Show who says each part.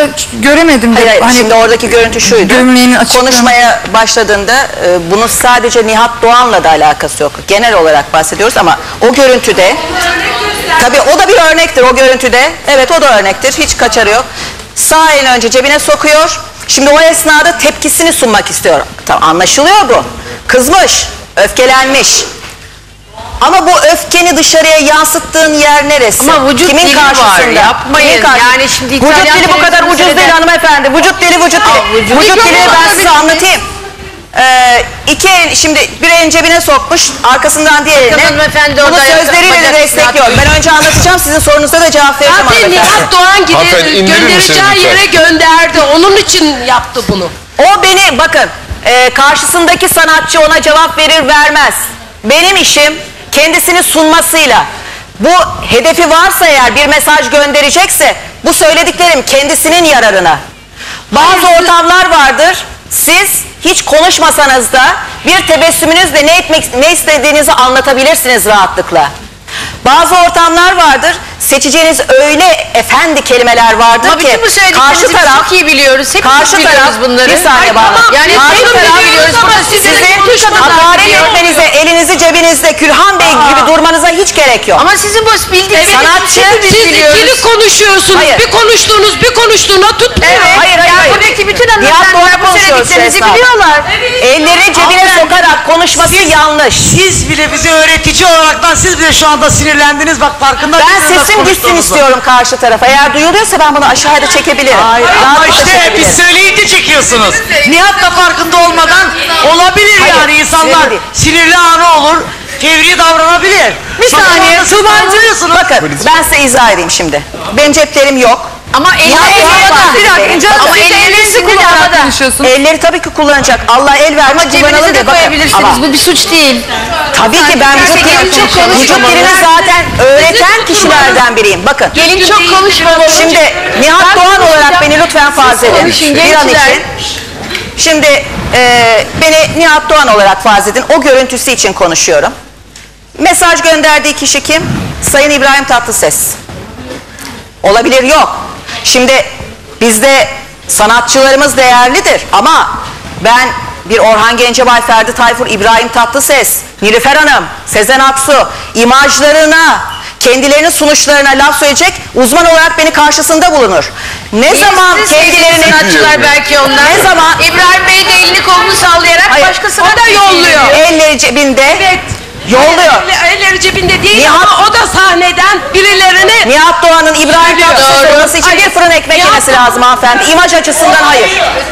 Speaker 1: göremedim.
Speaker 2: Hayır,
Speaker 1: hani
Speaker 2: şimdi oradaki görüntü şuydu. Konuşmaya başladığında bunun sadece Nihat Doğan'la da alakası yok. Genel olarak bahsediyoruz ama o görüntüde, tabii o da bir örnektir o görüntüde. Evet, o da örnektir. Hiç kaçarı yok. Sağ elini önce cebine sokuyor. Şimdi o esnada tepkisini sunmak istiyor. Tamam, anlaşılıyor bu. Kızmış, öfkelenmiş. Ama bu öfkeni dışarıya yansıttığın yer neresi?
Speaker 3: Ama vücut
Speaker 2: kimin
Speaker 3: dili
Speaker 2: karşısında?
Speaker 3: var, yapmayın. Yani şimdi
Speaker 2: vücut dili bu kadar ucuz değil hanımefendi. Vücut dili. Vücut dilini ben size anlatayım. İki el, şimdi bir elin cebine sokmuş, arkasından diğer eline. Bunu sözleriyle de destekliyor. Ben önce anlatacağım, sizin sorunuza da cevap vereceğim hanımefendi.
Speaker 3: Nihat Doğan göndereceği yere gönderdi. Onun için yaptı bunu.
Speaker 2: O beni, bakın, karşısındaki sanatçı ona cevap verir vermez. Benim işim kendisini sunmasıyla. Bu hedefi varsa eğer, bir mesaj gönderecekse, bu söylediklerim kendisinin yararına. Bazı ortamlar vardır, siz hiç konuşmasanız da bir tebessümünüzle ne istediğinizi anlatabilirsiniz rahatlıkla. Bazı ortamlar vardır, seçeceğiniz öyle efendi kelimeler vardır
Speaker 3: ama
Speaker 2: ki karşı taraf
Speaker 3: çok iyi biliyoruz.
Speaker 2: Karşı taraf bunları. Bir saniye bana.
Speaker 3: Yani
Speaker 2: karşı taraf
Speaker 3: biliyoruz ama
Speaker 2: sizin hakaret etmenize, elinizi cebinizde Külhan Bey gibi durmanıza hiç gerek yok.
Speaker 3: Ama sizin bu bildiğiniz
Speaker 2: sanatçı,
Speaker 3: siz ikili konuşuyorsunuz.
Speaker 2: Hayır.
Speaker 3: Bir konuştuğuna tutmuyor.
Speaker 2: Evet, hayır.
Speaker 3: Buradaki bütün hanımefendiler bu söylediklerinizi biliyorlar.
Speaker 2: Elleri cebine sokarak konuşması yanlış.
Speaker 4: Siz bile bize öğretici olaraktan siz bile şu anda sinirlendiniz, bak farkında
Speaker 2: Ben
Speaker 4: değilsiniz,
Speaker 2: sesim gitsin istiyorum karşı tarafa. Eğer duyuluyorsa ben bunu aşağıda çekebilirim.
Speaker 4: Hayır, ama işte biz söyleyince çekiyorsunuz. Nihat da farkında olmadan olabilir.
Speaker 2: Hayır,
Speaker 4: yani insanlar sinirli anı olur, fevri davranabilir.
Speaker 2: Bir saniye.
Speaker 4: Subancıyorsunuz.
Speaker 2: Bakın ben size izah edeyim şimdi. Benim ceplerim yok.
Speaker 3: Ama ellerinizi kullanarak.
Speaker 2: Elleri tabii ki kullanacak. Allah el vermiş, kullanalım diye.
Speaker 3: Koyabilirsiniz. Bu bir suç değil.
Speaker 2: Tabii ki ben vücut dilini zaten öğreten kişilerden biriyim. Bakın.
Speaker 3: Gelin çok konuşmalı.
Speaker 2: Şimdi Nihat Doğan olarak beni lütfen farz edin. Bir an için. Şimdi beni Nihat Doğan olarak farz edin. O görüntüsü için konuşuyorum. Mesaj gönderdiği kişi kim? Sayın İbrahim Tatlıses. Olabilir, yok. Şimdi bizde sanatçılarımız değerlidir ama ben bir Orhan Gencebay, Ferdi Tayfur, İbrahim Tatlıses, Nilüfer Hanım, Sezen Aksu imajlarına, kendilerinin sunuşlarına laf söyleyecek uzman olarak beni karşısında bulunur. Ne zaman kendilerini
Speaker 3: sanatçılar belki onlar.
Speaker 2: Ne zaman
Speaker 3: İbrahim Bey de elini kolunu sallayarak başkasına da yolluyor.
Speaker 2: Elleri cebinde.
Speaker 3: Evet.
Speaker 2: Yolluyor.
Speaker 3: Elleri cebinde değil ama o da sahneden birilerini...
Speaker 2: Nihat Doğan'ın İbrahim Tatlıses olması için bir fırın ekmek yemesi lazım hanımefendi. İmaj açısından hayır.